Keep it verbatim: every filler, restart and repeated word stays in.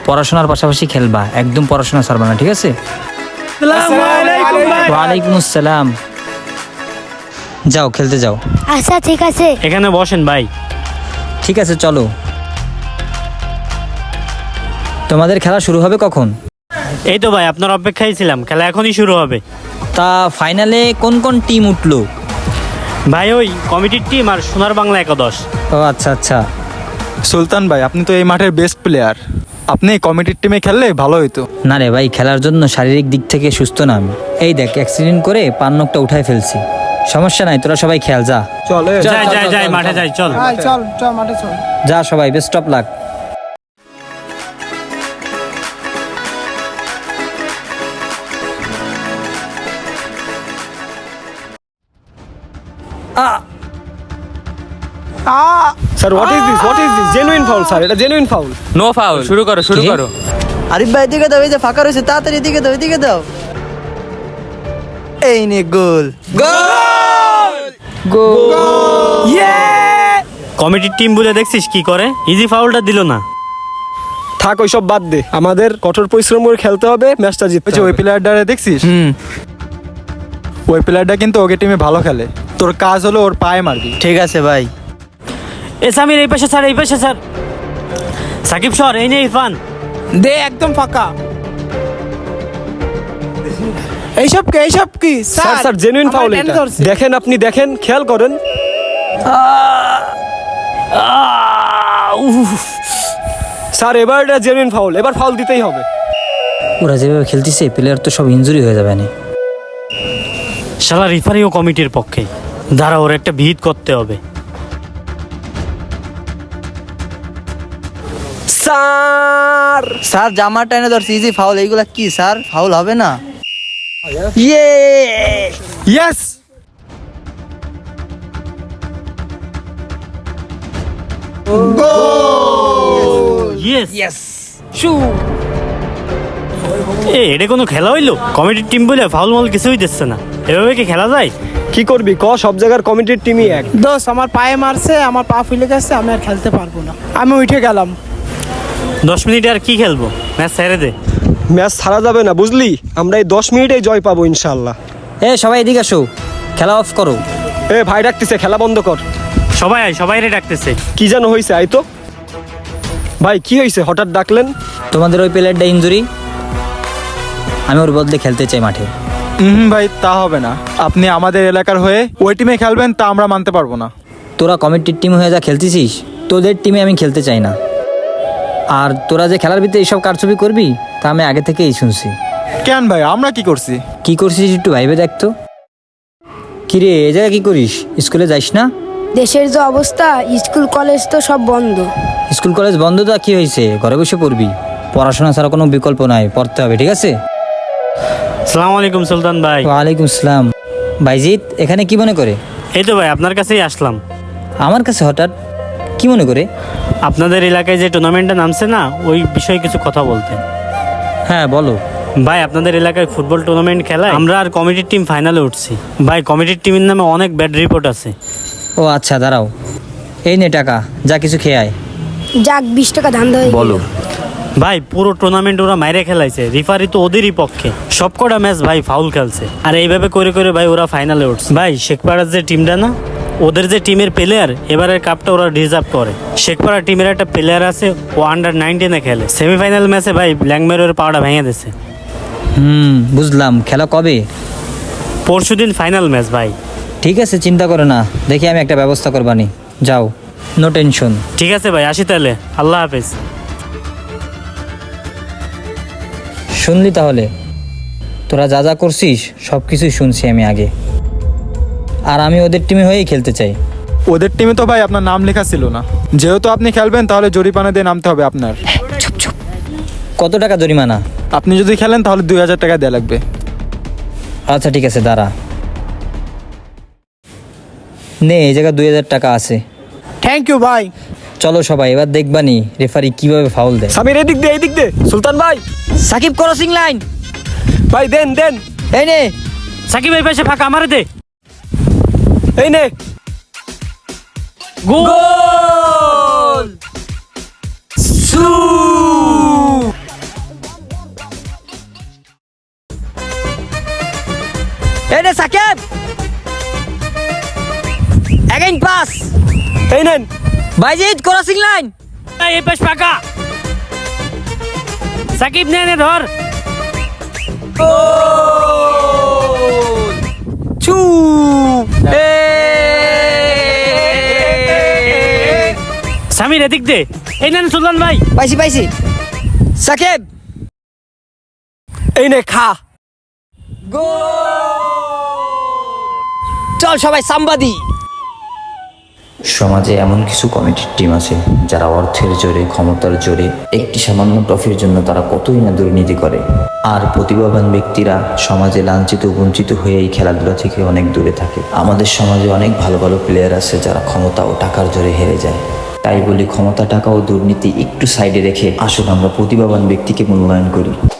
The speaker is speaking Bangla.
পড়াশোনার পাশাপাশি খেলবা, একদম পড়াশোনা ছাড়বা না, ঠিক আছে? ওয়ালাইকুম আসসালাম। যাও খেলতে যাও। আচ্ছা ঠিক আছে। এখানে বসেন ভাই। ঠিক আছে চলো। তোমাদের খেলা শুরু হবে কখন? এই তো ভাই আপনার অপেক্ষায় ছিলাম, খেলা এখনই শুরু হবে। তা ফাইনালে কোন কোন টিম উঠলো? ভাই ওই কমিটির টিম আর সোনার বাংলা একাদশ। ও আচ্ছা আচ্ছা। সুলতান ভাই, আপনি তো এই মাঠের বেস্ট প্লেয়ার, আপনি কমিটির টিমে খেললে ভালো হইতো। না রে ভাই, খেলার জন্য শারীরিক দিক থেকে সুস্থ না আমি। এই দেখ অ্যাক্সিডেন্ট করে পান নখটা উঠায় ফেলছি। সমস্যা নাই, তোরা সবাই খেল যা। চলে যাই যাই যাই মাঠে যাই, চল। চল চল মাঠে চল। যা সবাই, best of luck. Sir what is this what is this genuine foul sir, এটা জেনুইন ফাউল। No foul. শুরু করো শুরু কি? করো। আরিফ ভাই এদিকে দাও, এই যে ফাঁকা রয়েছে, তাড়াতাড়ি এদিকে দাও, এদিকে দাও। এই নে গোল। কমিটির টিম বলে দেখছিস কি করে, ইজি ফাউলটা দিল না। থাক ওইসব বাদ দে, আমাদের কঠোর পরিশ্রম করে খেলতে হবে, ম্যাচটা জিততে ওই যে ওই হবে। প্লেয়ারটা দেখছিস? হুম। ওই প্লেয়ারটা কিন্তু ওকে টিমে ভালো খেলে। তোর কাজ হলো ওর পায়ে মারবি। ঠিক আছে ভাই। এ সামির এই পাশে স্যার, এই পাশে স্যার। সাকিব সর, এই নে ইরফান। দে একদম ফাঁকা। এইসব কি এইসব কি স্যার স্যার জেনুইন ফাউল এটা, দেখেন আপনি দেখেন, খেয়াল করেন। স্যার এবার এটা জেনুইন ফাউল, এবার ফাউল দিতেই হবে। ওরা যেভাবে খেলতেছে প্লেয়ার তো সব ইনজুরি হয়ে যাবে না। শালা রিফারিও কমিটির পক্ষে, দাঁড়া ওর একটা ভিত করতে হবে। স্যার স্যার জামা টাইনে ধরছি, ইজি ফাউল। এইগুলা কি স্যার, ফাউল হবে না? ইয়ে ইয়েস। ইয়েস ইয়েস শু। এ এটা কোনো খেলা হইলো? কমিটির টিম বলে ফাউল মাউল কিছুই দিচ্ছে না, এভাবে কি খেলা যায়? কি করবি ক, সব জায়গার কমিটির টিমই এক। দোষ আমার পায়ে মারছে, আমার পা ফুলে গেছে, আমি আর খেলতে পারবো না, আমি উঠে গেলাম। দশ মিনিটে আর কি খেলবো, ম্যাচ ছেড়ে দে। ম্যাচ ছাড়া যাবে না বুঝলি, আমরা এই দশ মিনিটেই জয় পাবো ইনশাল্লাহ। এ সবাই এদিকে আসো, খেলা অফ করো। এ ভাই ডাকতেছে, খেলা বন্ধ কর। সবাই আয়, সবাই রে ডাকতেছে। কি যেন হয়েছে, আই তো। ভাই কি হয়েছে হঠাৎ ডাকলেন? তোমাদের ওই প্লেয়ারটা ইনজুরি, আমি ওর বদলে খেলতে চাই মাঠে। হুম ভাই, তা হবে না। আপনি আমাদের এলাকার হয়ে ওই টিমে খেলবেন, তা আমরা মানতে পারবো না। তোরা কমিটির টিম হয়ে যা খেলতেছিস, তোদের টিমে আমি খেলতে চাই না। আর তোরা যে খেলার ভিতরে এইসব কারচুপি করবি, তা আমি আগে থেকেই শুনছি। কেন ভাই, আমরা কি করছি? কি করছিস একটু ভাইবে দেখতো। কিরে এ জায়গায় কি করিস? স্কুলে যাইস না? দেশের যে অবস্থা, স্কুল কলেজ তো সব বন্ধ। স্কুল কলেজ বন্ধ তো কি হয়েছে, ঘরে বসে পড়বি। পড়াশোনা ছাড়া কোনো বিকল্প নাই, পড়তে হবে, ঠিক আছে? সালাম আলাইকুম সুলতান ভাই। ওয়ালাইকুম আসসালাম। ভাইজিৎ এখানে কি মনে করে? এই তো ভাই আপনার কাছেই আসলাম। আমার কাছে হঠাৎ কি মনে করে? আপনাদের এলাকায় যে টুর্নামেন্টটা নামছে না, ওই বিষয়ে কিছু কথা বলতে। হ্যাঁ বলো। ভাই আপনাদের এলাকায় ফুটবল টুর্নামেন্ট খেলায় আমরা আর কমিটির টিম ফাইনালে উঠছি। ভাই কমিটির টিমের নামে অনেক ব্যাড রিপোর্ট আছে। ও আচ্ছা দাঁড়াও, এই নে টাকা, যা কিছু খেয়ে আয়। যাক বিশ টাকা ধান্দা হয়ে গেল। ভাই পুরো টুর্নামেন্ট ওরা মাইরে খেলাইছে, রিফারি তো ওদেরই পক্ষে। সবকটা ম্যাচ ভাই ফাউল খেলছে, আর এইভাবে করে করে ভাই ওরা ফাইনালে উঠছে। ভাই শেখপাড়ার যে টিমটা না, ওদের যে টিমের প্লেয়ার এবারের কাপটা ওরা ডিজার্ভ করে। শেখপাড়া টিমের একটা প্লেয়ার আছে, ও আন্ডার নাইনটিনে খেলে। সেমিফাইনাল ম্যাচে ভাই ব্ল্যাকমেরের পাওয়াটা ভেঙে দিছে। হুম বুঝলাম। খেলা কবে? পরশু দিন ফাইনাল ম্যাচ ভাই। ঠিক আছে, চিন্তা করো না, দেখি আমি একটা ব্যবস্থা করবানি। যাও, নো টেনশন। ঠিক আছে ভাই, আসি তাহলে, আল্লাহ হাফেজ। শুনলি তাহলে, তোরা যা যা করছিস সব কিছুই শুনছি আমি আগে। আর আমি ওদের টিমে হয়েই খেলতে চাই। ওদের টিমে তো ভাই আপনার নাম লেখা ছিল না। যেহেতু আপনি খেলবেন, তাহলে জরিমানা দিয়ে নামতে হবে আপনার। কত টাকা জরিমানা? আপনি যদি খেলেন তাহলে দুই হাজার টাকা দেওয়া লাগবে। আচ্ছা ঠিক আছে, দাঁড়া। নে, এই জায়গায় দুই হাজার টাকা আছে। থ্যাংক ইউ ভাই। চলো সবাই, এবার দেখবানি রেফারি কিভাবে ফাউল দেয়। সামির এদিক দে, এদিক দে। সুলতান ভাই, সাকিব ক্রসিং লাইন। ভাই দেন দেন। এই নে। সাকিব এই পাশে ফাঁকা, আমারে দে। এই নে গোল। এই রে সাকিব, এগেইন পাস। এই নেন। বাইজিৎ ক্রসিং লাইন। এই এই পাশ ফাঁকা। সাকিব নে নে ধর। ছু এ সামির এদিক দে। এই নেন সুলতান ভাই। পাইছি পাইছি। সাকিব এই নে খা। চল সবাই সাম্বাদি। সমাজে এমন কিছু কমিটির টিম আছে যারা অর্থের জোরে, ক্ষমতার জোরে, একটি সামান্য ট্রফির জন্য তারা কতই না দুর্নীতি করে। আর প্রতিভাবান ব্যক্তিরা সমাজে লাঞ্ছিত বঞ্চিত হয়ে এই খেলাধুলা থেকে অনেক দূরে থাকে। আমাদের সমাজে অনেক ভালো ভালো প্লেয়ার আছে যারা ক্ষমতা ও টাকার জোরে হেরে যায়। তাই বলি, ক্ষমতা, টাকা ও দুর্নীতি একটু সাইডে রেখে আসুন আমরা প্রতিভাবান ব্যক্তিকে মূল্যায়ন করি।